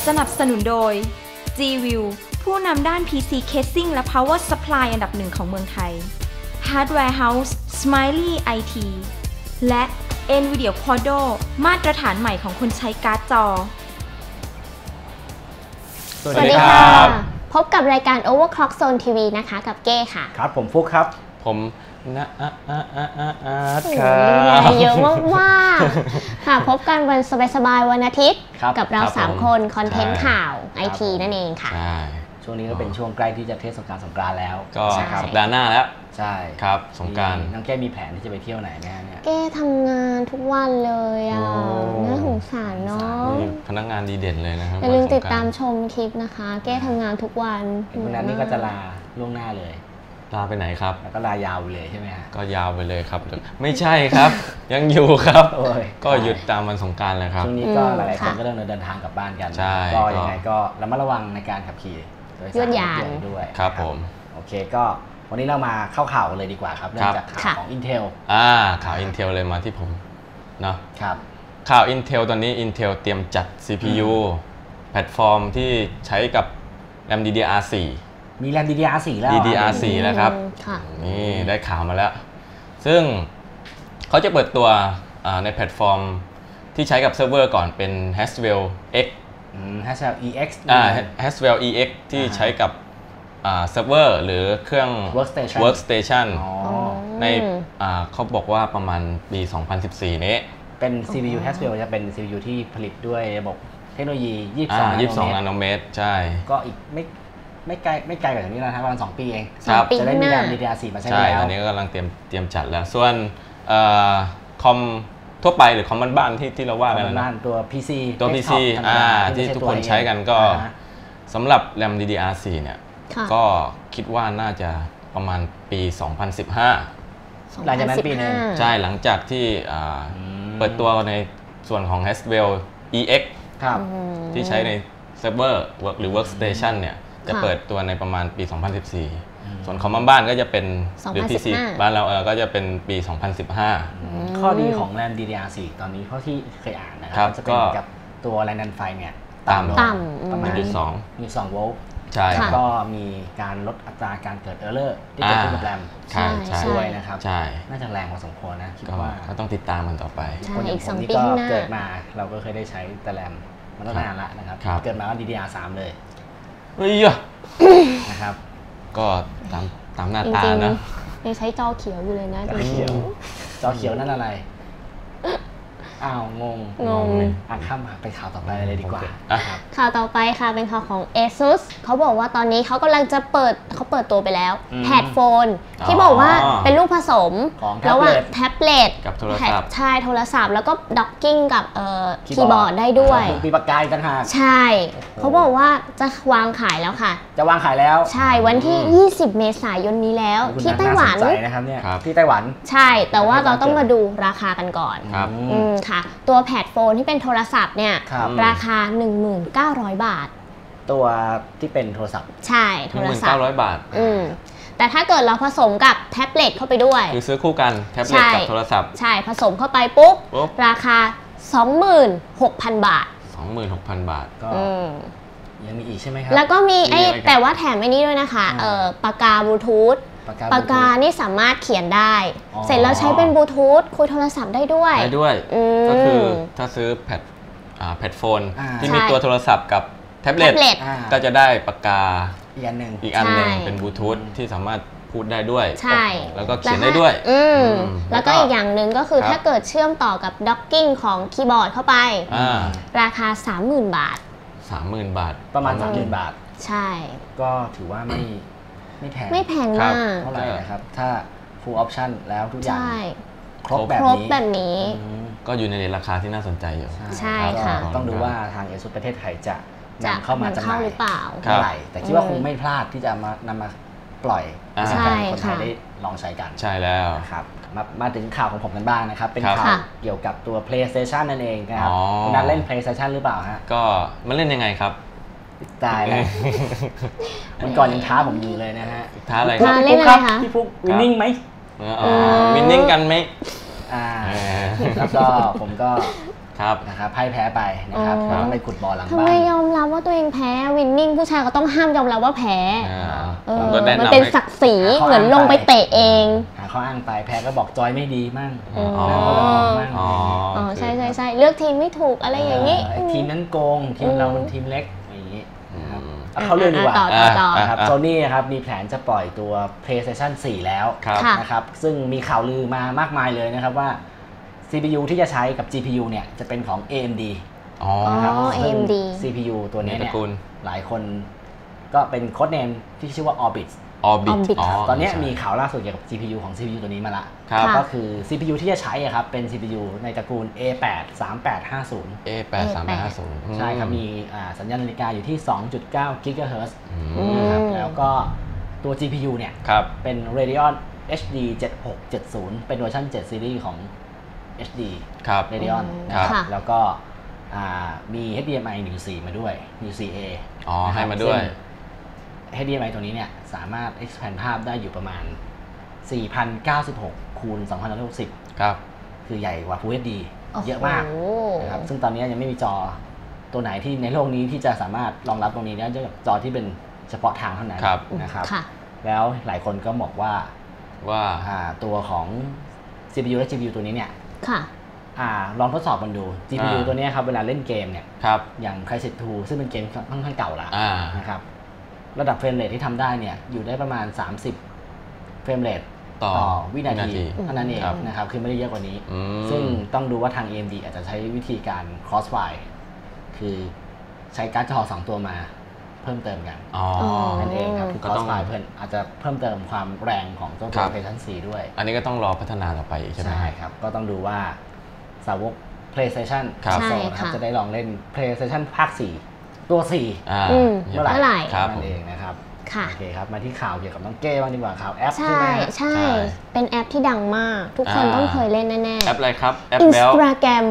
สนับสนุนโดย G-View ผู้นำด้าน PC Casing และ Power Supply อันดับหนึ่งของเมืองไทย Hardware House Smiley IT และ NVIDIA Quadro มาตรฐานใหม่ของคนใช้การ์ดจอสวัสดีครับพบกับรายการ Overclock Zone TV นะคะกับเก้ค่ะครับผมฟุกครับผมครับเยอะมากๆค่ะพบกันวันสบายๆวันอาทิตย์กับเรา3คนคอนเทนต์ข่าวไอทีนั่นเองค่ะช่วงนี้ก็เป็นช่วงใกล้ที่จะเทศกาลสงกรานต์แล้วก็สัปดาห์หน้าแล้วใช่ครับสงกรานต์น้องแก้มีแผนที่จะไปเที่ยวไหนไหมเนี่ยแก้ทำงานทุกวันเลยอ่ะน่าสงสารเนาะพนักงานดีเด่นเลยนะครับอย่าลืมติดตามชมคลิปนะคะแก้ทำงานทุกวันวันนั้นนี่ก็จะลาล่วงหน้าเลยลาไปไหนครับแล้วก็ลายาวไปเลยใช่ไหมฮะก็ยาวไปเลยครับไม่ใช่ครับยังอยู่ครับก็หยุดตามวันสงกรานต์เลยครับช่วงนี้ก็หลายๆคนก็เริ่มเดินทางกลับบ้านกันก็ยังไงก็ระมัดระวังในการขับขี่ยวดยานด้วยครับผมโอเคก็วันนี้เรามาเข้าข่าวเลยดีกว่าครับเริ่มจากข่าวของ Intel ข่าว Intel เลยมาที่ผมเนาะครับข่าว Intel ตอนนี้ Intel เตรียมจัด CPU แพลตฟอร์มที่ใช้กับ RAM DDR4 มี RAM DDR4 แล้ว DDR4 แล้วครับนี่ได้ข่าวมาแล้วซึ่งเขาจะเปิดตัวในแพลตฟอร์มที่ใช้กับเซิร์ฟเวอร์ก่อนเป็น Haswell X Haswell EX Haswell EX ที่ใช้กับเซิร์ฟเวอร์หรือเครื่อง Workstation ในเขาบอกว่าประมาณปี 2014 นี้เป็น CPU Haswell จะเป็น CPU ที่ผลิตด้วยระบบเทคโนโลยี22 นาโนเมตรใช่ก็อีกไม่ไกลกว่านี้แล้วครับประมาณ2 ปีเองจะได้มี RAM DDR4 มาใช้แล้วใช่ตอนนี้ก็กำลังเตรียมจัดแล้วส่วนคอมทั่วไปหรือคอมบ้านๆที่เราว่ากันนะตัว PC ที่ทุกคนใช้กันก็สำหรับ RAM DDR4 เนี่ยก็คิดว่าน่าจะประมาณปี 2015 หลังจากนั้นปีนึงใช่หลังจากที่เปิดตัวในส่วนของ Haswell EX ที่ใช้ในเซิร์ฟเวอร์หรือ Workstation เนี่ยจะเปิดตัวในประมาณปี 2014ส่วนคอมบ้านก็จะเป็นหรือ PC บ้านเราก็จะเป็นปี 2015 ข้อดีของ RAM DDR4 ตอนนี้เพราะที่เคยอ่านนะครับจะเป็นกับตัวแรงดันไฟเนี่ยต่ำประมาณ1.2 โวลต์ใช่ก็มีการลดอัตราการเกิดเออร์เลอร์ที่เกิดขึ้นกับแรมด้วยนะครับน่าจะแรงพอสมควรนะคิดว่าก็ต้องติดตามมันต่อไปคนอย่างผมนี่ก็เกิดมาเราก็เคยได้ใช้แต่แรมมันตั้งนานละนะครับเกิดมาก็ DDR3 เลยนะครับก็ตามหน้าตานะยังใช้จอเขียวอยู่เลยนะจอเขียวนั่นอะไรอ้าวงงข้ามไปข่าวต่อไปเลยดีกว่าข่าวต่อไปค่ะเป็นข่าวของ ASUS เขาบอกว่าตอนนี้เขากำลังจะเปิดตัวไปแล้วแพดโฟนที่บอกว่าเป็นลูกผสมระหว่างแท็บเล็ตกับโทรศัพท์ใช่โทรศัพท์แล้วก็ด็อกกิ้งกับคีย์บอร์ดได้ด้วยมีปากกาต่างหากใช่เขาบอกว่าจะวางขายแล้วค่ะจะวางขายแล้วใช่วันที่20เมษายนนี้แล้วที่ไต้หวันนะครับเนี่ยที่ไต้หวันใช่แต่ว่าเราต้องมาดูราคากันก่อนค่ะตัวแพดโฟนที่เป็นโทรศัพท์เนี่ยราคา 19,000 บาทตัวที่เป็นโทรศัพท์ใช่โทรศัพท์ 19,000 บาทแต่ถ้าเกิดเราผสมกับแท็บเล็ตเข้าไปด้วยคือซื้อคู่กันแท็บเล็ตกับโทรศัพท์ใช่ผสมเข้าไปปุ๊บราคา 26,000 บาท 26,000 บาทก็ยังมีอีกใช่ไหมครับแล้วก็มีแต่ว่าแถมไอ้นี้ด้วยนะคะปากกาบลูทูธปากกานี่สามารถเขียนได้เสร็จแล้วใช้เป็นบลูทูธคุยโทรศัพท์ได้ด้วยก็คือถ้าซื้อแพดโฟนที่มีตัวโทรศัพท์กับแท็บเล็ตก็จะได้ปากกาอีกอันหนึ่งเป็นบลูทูธที่สามารถพูดได้ด้วยใช่แล้วก็เขียนได้ด้วยแล้วก็อีกอย่างหนึ่งก็คือถ้าเกิดเชื่อมต่อกับด็อกกิ้งของคีย์บอร์ดเข้าไปราคา 30,000 บาท 30,000 บาทประมาณ 30,000 บาทใช่ก็ถือว่าไม่แพงมากเท่าไหร่นะครับถ้า full option แล้วทุกอย่างครบแบบนี้ก็อยู่ในราคาที่น่าสนใจอยู่ใช่ค่ะต้องดูว่าทาง ASUS ประเทศไทยจะนำเข้ามาจำหน่ายหรือเปล่าเท่าไหร่แต่คิดว่าคงไม่พลาดที่จะนำมาปล่อยให้คนไทยได้ลองใช้กันใช่แล้วครับมาถึงข่าวของผมกันบ้างนะครับเป็นข่าวเกี่ยวกับตัว PlayStation นั่นเองนะครับคุณนัทเล่น PlayStation หรือเปล่าฮะก็มันเล่นยังไงครับตายแล้วมันก่อนยังท้าผมอยู่เลยนะฮะท้าอะไรครับพี่ฟุกวินนิ่งไหมวินนิ่งกันไหมแล้วก็ผมก็นะครับพ่ายแพ้ไปนะครับต้องไปขุดบ่อหลังบ้านทำไมยอมรับว่าตัวเองแพ้วินนิ่งผู้ชายก็ต้องห้ามยอมรับว่าแพ้มันเป็นศักดิ์ศรีเหมือนลงไปเตะเองหาข้ออ้างไปแพ้ก็บอกจอยไม่ดีมั่งใช่ใช่ใช่เลือกทีมไม่ถูกอะไรอย่างนี้ทีมนั้นโกงทีมเราเป็นทีมเล็กอย่างนี้เขาเรื่องดีกว่าครับโซนี่ครับมีแผนจะปล่อยตัว PlayStation 4 แล้วนะครับซึ่งมีข่าวลือมามากมายเลยนะครับว่า CPU ที่จะใช้กับ GPU เนี่ยจะเป็นของ AMD นะครับ AMD CPU ตัวนี้เนี่ยหลายคนก็เป็นโค้ดเนมที่ชื่อว่า Orbit ตอนนี้มีข่าวล่าสุดเกี่ยวกับ GPU ของ CPU ตัวนี้มาละก็คือ CPU ที่จะใช้ครับเป็น CPU ในตระกูล A8 3850 A8 3850 ใช่ครับมีสัญญาณนาฬิกาอยู่ที่ 2.9 GHz นะครับแล้วก็ตัว GPU เนี่ยเป็น Radeon HD 7670 เป็นเวอร์ชัน7 ซีรีส์ของ HD Radeon นะครับแล้วก็มี HDMI 1.4 มาด้วย 1.4A ให้มาด้วย HDMI ตัวนี้เนี่ยสามารถ expand ภาพได้อยู่ประมาณ 4096 คูณ 2160 ครับคือใหญ่กว่า Full HD เยอะมากนะครับซึ่งตอนนี้ยังไม่มีจอตัวไหนที่ในโลกนี้ที่จะสามารถรองรับตรงนี้ได้ด้วยจอที่เป็นเฉพาะทางเท่านั้นนะครับแล้วหลายคนก็บอกว่าตัวของ CPU และ GPU ตัวนี้เนี่ยลองทดสอบมันดู GPU ตัวนี้ครับเวลาเล่นเกมเนี่ยอย่าง Crysis 2 ซึ่งเป็นเกมค่อนข้างเก่าแล้วนะครับระดับเฟรมเรทที่ทำได้เนี่ยอยู่ได้ประมาณ30เฟรมเรทต่อวินาทีเท่านั้นเองนะครับคือไม่ได้เยอะกว่านี้ซึ่งต้องดูว่าทาง AMD อาจจะใช้วิธีการ crossfire คือใช้การ์ดจอ2ตัวมาเพิ่มเติมกันนั่นเองครับคือ crossfire เพิ่มอาจจะเพิ่มเติมความแรงของตัว PlayStation 4 ด้วยอันนี้ก็ต้องรอพัฒนาต่อไปใช่ไหมใช่ครับก็ต้องดูว่าสาวก PlayStation นะครับจะได้ลองเล่น PlayStation ภาค4ตัว4เมื่อไหร่นั่นเองนะครับโอเคครับมาที่ข่าวเกี่ยวกับน้องเก้บ้างดีกว่าข่าวแอปใช่ไหมใช่เป็นแอปที่ดังมากทุกคนต้องเคยเล่นแน่ๆแอปอะไรครับแอป Instagram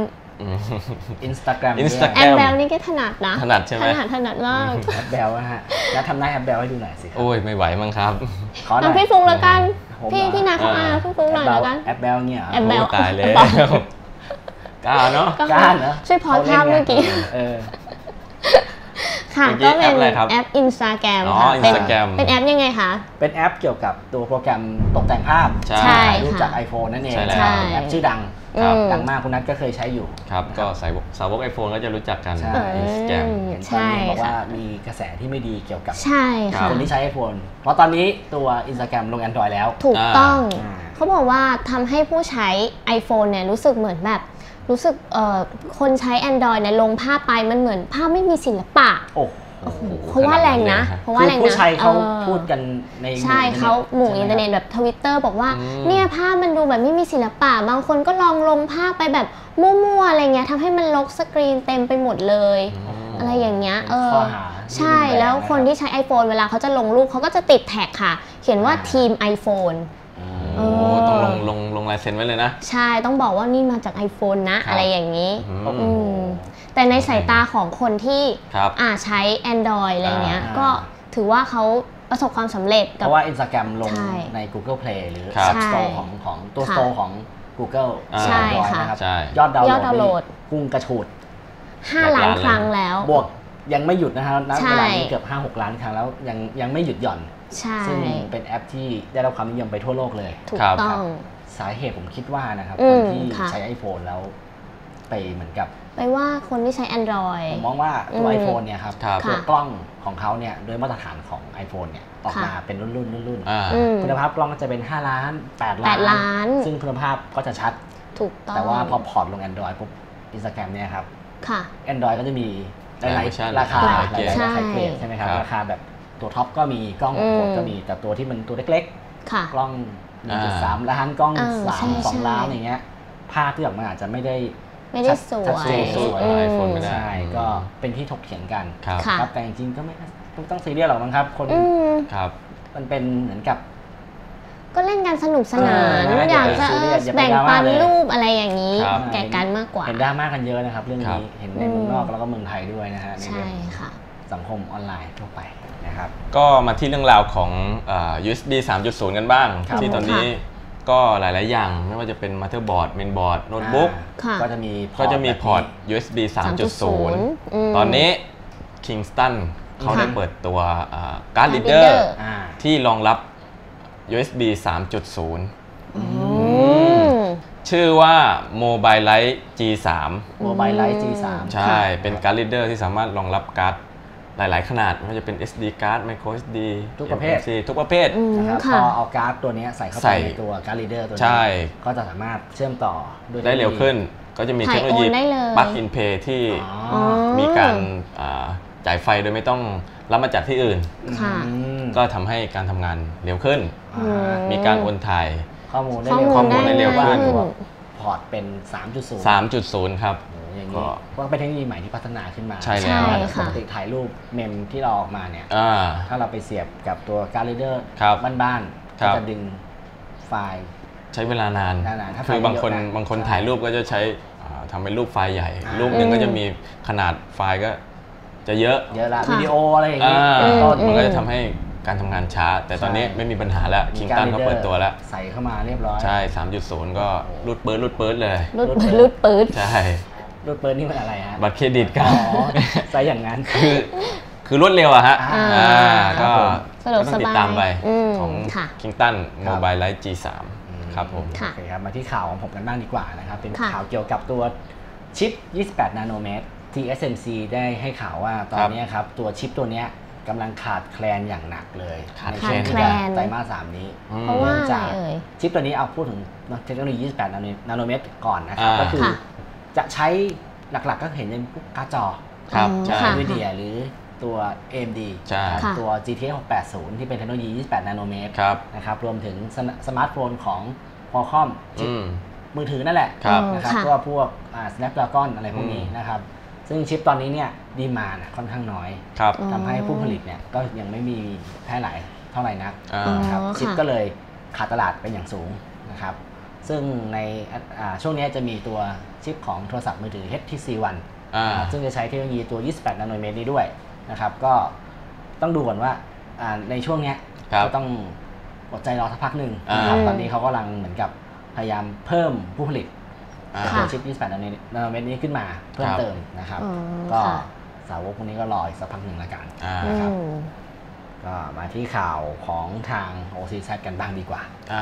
แอปแบลนี่ก็ถนัดนะถนัดใช่ไหมถนัดมากแอปแบลฮะแล้วทำหน้าแอปแบลให้ดูหน่อยสิโอ้ยไม่ไหวมั้งครับทำพี่ฟุ้งแล้วกันพี่นาเขาพี่ฟุ้งหน่อยแล้วกันแอปแบลเนี่ยแอปแบลตายเลยกล้าเนาะช่วยพอภาพเมื่อกี้ค่ะก็เป็นแอป Instagram ค่ะเป็นแอปยังไงคะเป็นแอปเกี่ยวกับตัวโปรแกรมตกแต่งภาพรูปจาก iPhone นั่นเองแอปชื่อดังมากคุณนัทก็เคยใช้อยู่ครับก็สาวก iPhone ก็จะรู้จักกัน Instagram เห็นตอนนี้บอกว่ามีกระแสที่ไม่ดีเกี่ยวกับคนที่ใช้ iPhone เพราะตอนนี้ตัว Instagram ลง Android แล้วถูกต้องเขาบอกว่าทำให้ผู้ใช้ iPhone เนี่ยรู้สึกเหมือนแบบรู้สึกคนใช้ Android เนี่ยลงภาพไปมันเหมือนภาพไม่มีศิลปะเพราะว่าแรงนะผู้ใช้เขาพูดกันในใช่เขาหมู่อินเทอร์เน็ตแบบ Twitter บอกว่าเนี่ยภาพมันดูแบบไม่มีศิลปะบางคนก็ลงภาพไปแบบมั่วๆอะไรเงี้ยทำให้มันรกสกรีนเต็มไปหมดเลยอะไรอย่างเงี้ยใช่แล้วคนที่ใช้ iPhone เวลาเขาจะลงรูปเขาก็จะติดแท็กค่ะเขียนว่าทีม iPhone ต้องลงลายเซ็นไว้เลยนะใช่ต้องบอกว่านี่มาจาก iPhone นะอะไรอย่างนี้แต่ในสายตาของคนที่ใช้ Android อะไรเงี้ยก็ถือว่าเขาประสบความสำเร็จเพราะว่า Instagram ลงใน Google Play หรือ App Store ของตัว Store ของ Google ใช่ค่ะยอดดาวน์โหลดพุ่งกระฉูด 5 ล้านครั้งแล้วบวกยังไม่หยุดนะครับณเวลานี้เกือบ 5-6 ล้านครั้งแล้วยังไม่หยุดหย่อนซึ่งเป็นแอปที่ได้รับความนิยมไปทั่วโลกเลยถูกต้องสาเหตุผมคิดว่านะครับคนที่ใช้ iPhone แล้วไปเหมือนกับไปว่าคนที่ใช้ Android ผมมองว่าตัว iPhone เนี่ยครับตัวกล้องของเขาเนี่ยโดยมาตรฐานของ iPhone เนี่ยออกมาเป็นรุ่นคุณภาพกล้องก็จะเป็น5 ล้าน8 ล้านซึ่งคุณภาพก็จะชัดถูกต้องแต่ว่าพอพอร์ตลง Android ปุ๊บ Instagram เนี่ยครับ Android ก็จะมีหลายราคาหลายเกรดใช่ไหมครับราคาแบบตัวท็อปก็มีกล้องโหดก็มีแต่ตัวที่มันตัวเล็กๆกล้อง 1.3 ล้านกล้อง2 ล้านอย่างเงี้ยภาพที่ออกมาอาจจะไม่ได้สวย iPhone ไม่ได้ใช่ก็เป็นที่ถกเถียงกันครับแต่จริงๆก็ไม่ต้องซีเรียสหรอกมั้งครับคนมันเป็นเหมือนกับก็เล่นกันสนุกสนานอยากจะแบ่งปันรูปอะไรอย่างนี้แก่กันมากกว่าเห็นดราม่ากันเยอะนะครับเรื่องนี้เห็นในเมืองนอกแล้วก็เมืองไทยด้วยนะฮะใช่ค่ะสังคมออนไลน์ทั่วไปนะครับก็มาที่เรื่องราวของUSB 3.0 กันบ้างที่ตอนนี้ก็หลายๆอย่างไม่ว่าจะเป็นมัลเตอร์บอร์ดเมนบอร์ดโน้ตบุ๊กก็จะมีพอร์ต USB 3.0 ตอนนี้ Kingston เขาได้เปิดตัวการ์ดรีดเดอร์ที่รองรับ USB 3.0 ชื่อว่า Mobile Lite G3 Mobile Lite G3 ใช่เป็นการ์ดรีดเดอร์ที่สามารถรองรับการ์ดหลายๆขนาดไม่ว่าจะเป็น SD card micro SD ทุกประเภททุกประเภทนะครับพอเอาการ์ดตัวนี้ใส่เข้าไปในตัวการ์ดรีดเดอร์ตัวนี้ก็จะสามารถเชื่อมต่อได้เร็วขึ้นก็จะมีเทคโนโลยี Plug in Play ที่มีการจ่ายไฟโดยไม่ต้องรับมาจากที่อื่นก็ทำให้การทำงานเร็วขึ้นมีการโอนถ่ายข้อมูลได้เร็วขึ้นพอร์ตเป็น 3.0 ครับอย่างนี้ว่าเป็นเทคโนโลยีใหม่ที่พัฒนาขึ้นมาใช่แล้วปกติถ่ายรูปเมมที่เราออกมาเนี่ยถ้าเราไปเสียบกับตัวการ์ดรีดเดอร์บ้านๆก็จะดึงไฟล์ใช้เวลานานคือบางคนถ่ายรูปก็จะใช้ทำเป็นรูปไฟล์ใหญ่รูปหนึ่งก็จะมีขนาดไฟล์ก็จะเยอะละวิดีโออะไรอย่างนี้มันก็จะทำให้การทำงานช้าแต่ตอนนี้ไม่มีปัญหาแล้วคิงตันเขาเปิดตัวแล้วใส่เข้ามาเรียบร้อยใช่ 3.0 ก็รูดเปิดเลยรูดเปิดใช่รูดเปิดนี่มันอะไรฮะบัตรเครดิตกันใส่อย่างนั้นคือรวดเร็วอะฮะก็ต้องติดตามไปของคิงตัน Mobile Lite G3 ครับผมโอเคครับมาที่ข่าวของผมกันบ้างดีกว่านะครับเป็นข่าวเกี่ยวกับตัวชิป28นาโนเมตรTSMC ได้ให้ข่าวว่าตอนนี้ครับตัวชิปตัวนี้กำลังขาดแคลนอย่างหนักเลยในช่วงไตรมาส 3นี้เพราะว่าชิปตัวนี้เอาพูดถึงเทคโนโลยี28นาโนเมตรก่อนนะครับก็คือจะใช้หลักๆก็เห็นในพวกการ์ดจอNVIDIA หรือตัว AMD ตัว GTX 680ที่เป็นเทคโนโลยี28นาโนเมตรนะครับรวมถึงสมาร์ทโฟนของ Qualcomm มือถือนั่นแหละนะครับก็พวกSnapdragon อะไรพวกนี้นะครับซึ่งชิปตอนนี้เนี่ยดีมานด์ค่อนข้างน้อยทำให้ผู้ผลิตเนี่ยก็ยังไม่มีแพร่หลายเท่าไหร่นักนะครับชิปก็เลยขาดตลาดเป็นอย่างสูงนะครับซึ่งในช่วงนี้จะมีตัวชิปของโทรศัพท์มือถือ HTC One ซึ่งจะใช้เทคโนโลยีตัว28นาโนเมตรนี้ด้วยนะครับก็ต้องดูก่อนว่าในช่วงนี้ก็ต้องอดใจรอสักพักหนึ่งนะครับตอนนี้เขากำลังเหมือนกับพยายามเพิ่มผู้ผลิตตัวชิป28นาโนเมตรนี้ขึ้นมาเพิ่มเติมนะครับก็สาวกพวกนี้ก็รออีกสักพักหนึ่งละกันนะครับก็มาที่ข่าวของทาง OCZ กันบ้างดีกว่า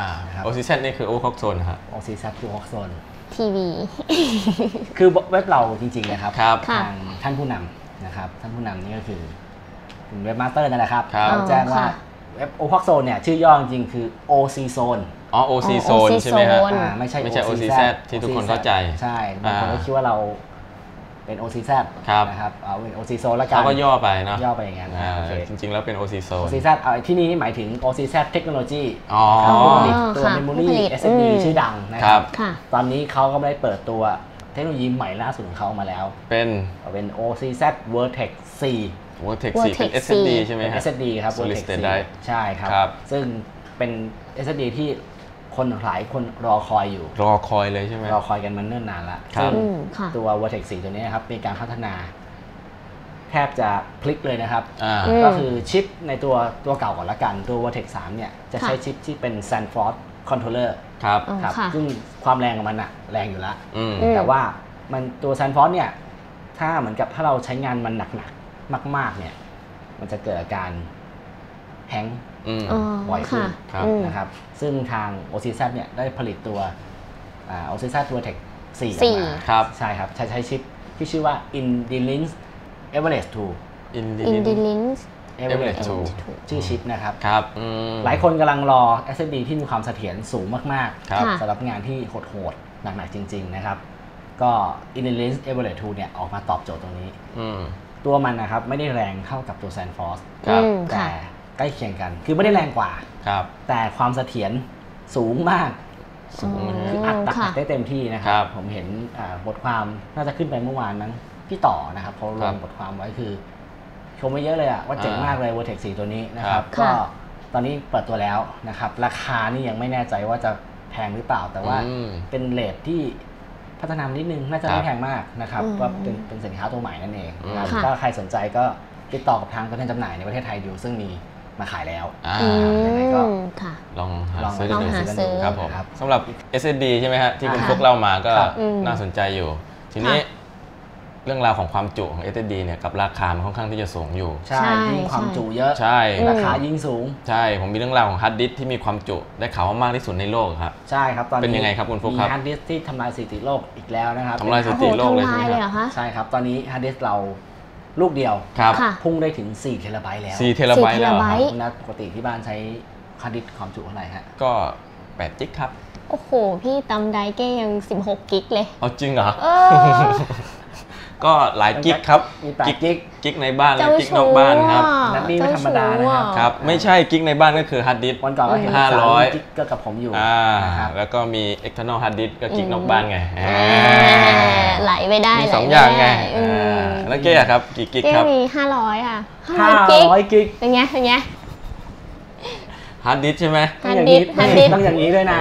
OCZ นี่คือ Overclock นะครับ OCZ คือ Overclock ทีวีคือเว็บเราจริงๆนะครับทางท่านผู้นำนะครับท่านผู้นำนี่ก็คือเว็บมาสเตอร์นั่นแหละครับเขาแจ้งว่าเว็บ Overclock เนี่ยชื่อย่อจริงๆคือ OC Zone OC Zone ใช่ไหมฮะไม่ใช่ OCZ ที่ทุกคนเข้าใจใช่บางคนก็คิดว่าเราเป็น OCZ นะครับเอาเป็น OC Zone แล้วกันเขาก็ย่อไปเนาะย่อไปอย่างนั้นจริงๆแล้วเป็น OC Zone OCZ ที่นี่หมายถึง OCZ Technology ตัว Memory SSD ชื่อดังนะครับตอนนี้เขาก็ได้เปิดตัวเทคโนโลยีใหม่ล่าสุดของเขามาแล้วเป็น OCZ Vertex 4 Vertex 4เป็น SSD ใช่ไหมฮะ SSD ครับ Vertex 4ใช่ครับซึ่งเป็น SSD ที่คนหลายคนรอคอยอยู่รอคอยเลยใช่ไหมรอคอยกันมาเนิ่นนานแล้วซึ่งตัว Vertex 4 ตัวนี้ครับมีการพัฒนาแทบจะพลิกเลยนะครับก็คือชิปในตัวเก่าก่อนละกันตัว Vertex 3เนี่ยจะใช้ชิปที่เป็น Sanford Controller ครับซึ่งความแรงของมันอะแรงอยู่แล้วแต่ว่ามันตัว Sanford เนี่ยถ้าเหมือนกับถ้าเราใช้งานมันหนักๆมากๆเนี่ยมันจะเกิดอาการแฮงก์บ่อยขึ้นนะครับซึ่งทาง OCZ เนี่ยได้ผลิตตัวOCZ Vertex 4 ออกมาใช่ครับใช้ชิปที่ชื่อว่า Indilins Everest 2 Indilins Everest 2ชื่อชิปนะครับหลายคนกำลังรอ SSD ที่มีความเสถียรสูงมากๆสำหรับงานที่โหดๆหนักๆจริงๆนะครับก็ Indilins Everest 2เนี่ยออกมาตอบโจทย์ตรงนี้ตัวมันนะครับไม่ได้แรงเท่ากับตัว Sanford แต่ใกล้เคียงกันคือไม่ได้แรงกว่าแต่ความเสถียรสูงมากคืออัดได้เต็มที่นะครับผมเห็นบทความน่าจะขึ้นไปเมื่อวานนั้นพี่ต่อนะครับเขาลงบทความไว้คือชมไว้เยอะเลยว่าเจ๋งมากเลย Vertex 4 ตัวนี้นะครับก็ตอนนี้เปิดตัวแล้วนะครับราคานี่ยังไม่แน่ใจว่าจะแพงหรือเปล่าแต่ว่าเป็นเรทที่พัฒนานิดนึงน่าจะไม่แพงมากนะครับว่าเป็นสินค้าตัวใหม่นั่นเองถ้าใครสนใจก็ติดต่อกับทางตัวแทนจำหน่ายในประเทศไทยอยู่ซึ่งมีมาขายแล้วยังไงก็ลองหาซื้อลองหาซื้อครับผมสำหรับ SSD ใช่ไหมฮะที่คุณฟุกเล่ามาก็น่าสนใจอยู่ทีนี้เรื่องราวของความจุของ SSD เนี่ยกับราคามันค่อนข้างที่จะสูงอยู่ใช่ยิ่งความจุเยอะใช่ราคายิ่งสูงใช่ผมมีเรื่องราวของฮาร์ดดิสก์ที่มีความจุได้ข่าวว่ามากที่สุดในโลกครับใช่ครับตอนนี้เป็นยังไงครับคุณฟุกครับมีฮาร์ดดิสก์ที่ทำลายสถิติโลกอีกแล้วนะครับทำลายสถิติโลกเลยใช่ไหมครับใช่ครับตอนนี้ฮาร์ดดิสก์เราลูกเดียวพุ่งได้ถึง4 เทราไบต์แล้ว 4 เทราไบต์แล้วนะปกติที่บ้านใช้ฮาร์ดดิสก์ความจุเท่าไหร่ฮะก็8 กิกครับโอ้โหพี่ตำไดเก้ยัง16 กิกเลยเอาจริงเหรอก็หลายกิกครับมี8 กิกในบ้านและกิกนอกบ้านครับนั่นนี่ไม่ธรรมดานะครับครับไม่ใช่กิกในบ้านก็คือฮาร์ดดิสก์วันก่อนก็เห็น500กิกก็กับผมอยู่นะครับแล้วก็มี external hard disk ก็กิกนอกบ้านไงไหลไปได้มี2 อย่างไงแล้วเก้ครับกี่กิกครับมี500ค่ะ 500 กิกเป็นไงฮาร์ดดิสก์ใช่ไหมต้องอย่างนี้ด้วยนะ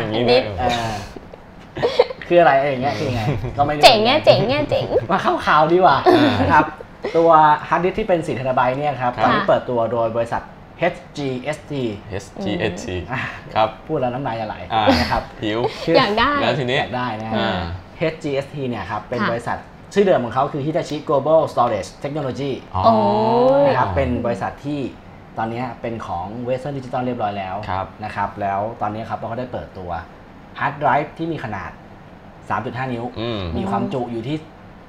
คืออะไรอย่างเงี้ยคือไงก็ไม่เจ๋งมาเข้าข่าวดีกว่านะครับตัวฮาร์ดดิสก์ที่เป็น4 เทราไบต์เนี่ยครับตอนนี้เปิดตัวโดยบริษัท HGST ครับพูดแล้วน้ำลายจะไหลนะครับหิวอยากได้แล้วทีนี้อยากได้นะ HGST เนี่ยครับเป็นบริษัทชื่อเดิมของเขาคือ Hitachi Global Storage Technology นะครับเป็นบริษัทที่ตอนนี้เป็นของ Western Digital เรียบร้อยแล้วนะครับแล้วตอนนี้ครับเราก็ได้เปิดตัวฮาร์ดไดรฟ์ที่มีขนาด 3.5 นิ้วมีความจุอยู่ที่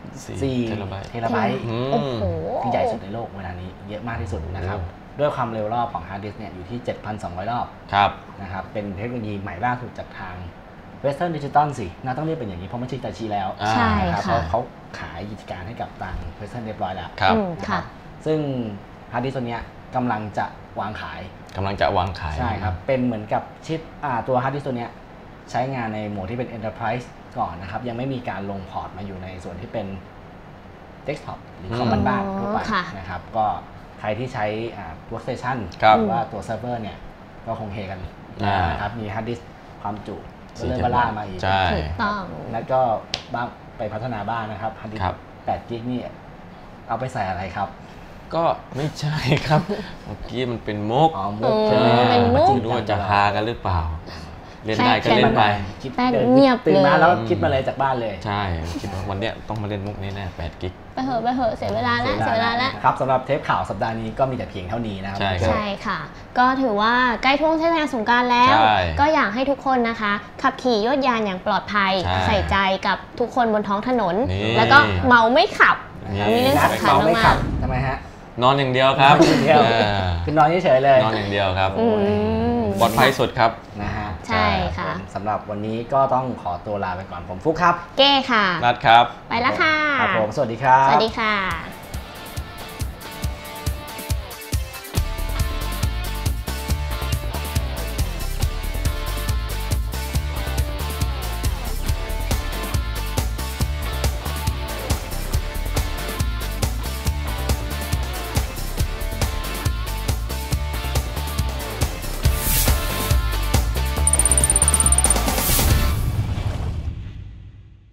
4 เทราไบต์ที่ใหญ่สุดในโลกเวลานี้เยอะมากที่สุดนะครับด้วยความเร็วรอบของฮาร์ดดิสก์เนี่ยอยู่ที่ 7,200 รอบนะครับเป็นเทคโนโลยีใหม่ล่าสุดจากทาง Western Digital สิน่าต้องเรียกเป็นอย่างนี้เพราะไม่ใช่ฮิตาชิแล้วนะครับเพราะเขาขายกิจการให้กับทาง Western เรียบร้อยแล้วนะครับซึ่งฮาร์ดดิสก์ตัวนี้กำลังจะวางขายใช่ครับเป็นเหมือนกับชิปตัวฮาร์ดดิสก์ตัวนี้ใช้งานในโหมดที่เป็น Enterprise ก่อนนะครับยังไม่มีการลงพอร์ตมาอยู่ในส่วนที่เป็น Desktop หรือคอมบ้านทั่วไปนะครับก็ใครที่ใช้workstation หรือว่าตัวเซิร์ฟเวอร์เนี่ยก็คงเฮกันนะครับมีฮาร์ดดิสก์ความจุเริ่มล่ามาอีกถูกต้องแล้วก็บ้างไปพัฒนาบ้านนะครับฮาร์ดดิสก์8 กิกนี่เอาไปใส่อะไรครับก็ไม่ใช่ครับเมื่อกี้มันเป็นมุกใช่ไหมจริงด้วยจะฮากันหรือเปล่าเล่นได้ก็เล่นไปคิดเงียบตื่นมาแล้วคิดมาเลยจากบ้านเลยใช่คิดว่าวันนี้ต้องมาเล่นมุกนี้แน่8 กิกไปเหอะเสียเวลาแล้วครับสำหรับเทปข่าวสัปดาห์นี้ก็มีแต่เพียงเท่านี้นะครับใช่ค่ะก็ถือว่าใกล้ช่วงเทศกาลสงกรานต์แล้วก็อยากให้ทุกคนนะคะขับขี่ยวดยานอย่างปลอดภัยใส่ใจกับทุกคนบนท้องถนนแล้วก็เมาไม่ขับมีเรื่องสำคัญมากทำไมฮะนอนอย่างเดียวครับคือนอนเฉยๆเลยนอนอย่างเดียวครับปลอดภัยสุดครับนะฮะใช่ค่ะสำหรับวันนี้ก็ต้องขอตัวลาไปก่อนผมฟุกครับเก้ค่ะนัดครับไปแล้วค่ะครับผมสวัสดีครับสวัสดีค่ะ